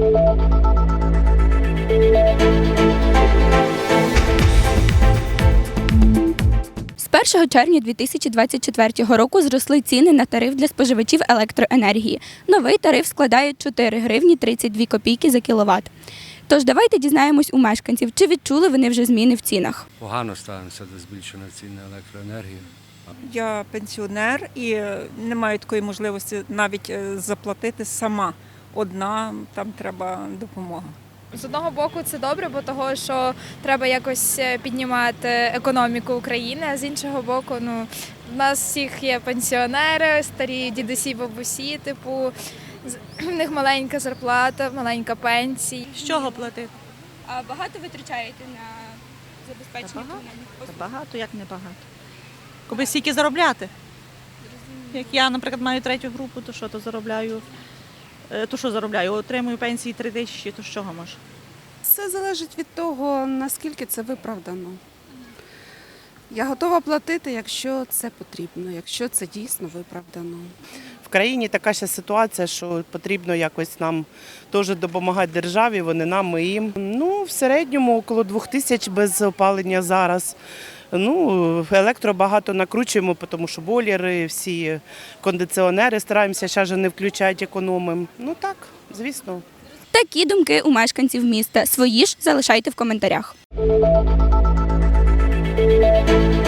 З 1 червня 2024 року зросли ціни на тариф для споживачів електроенергії. Новий тариф складає 4 гривні 32 копійки за кіловат. Тож давайте дізнаємось у мешканців, чи відчули вони вже зміни в цінах. Погано ставимося до збільшення цін на електроенергію. Я пенсіонер і не маю такої можливості навіть заплатити сама. Одна, там треба допомога. З одного боку це добре, бо того, що треба якось піднімати економіку України, а з іншого боку, в нас всіх є пенсіонери, старі дідусі, бабусі, в них маленька зарплата, маленька пенсія. З чого платити? А багато витрачаєте на забезпечення комунальних послуг? Багато, як не багато. Коби стільки заробляти. Як я, наприклад, маю 3-ю групу, то що, то заробляю? То що заробляю? Отримую пенсії 3 тисячі, то з чого може? Все залежить від того, наскільки це виправдано. Я готова платити, якщо це потрібно, якщо це дійсно виправдано. В країні така ще ситуація, що потрібно якось нам теж допомагати державі, вони нам, ми їм. В середньому около 2000 без опалення зараз. Електро багато накручуємо, тому що бойлери, всі кондиціонери стараємося ще не включати, економимо. Так, звісно. Такі думки у мешканців міста. Свої ж залишайте в коментарях.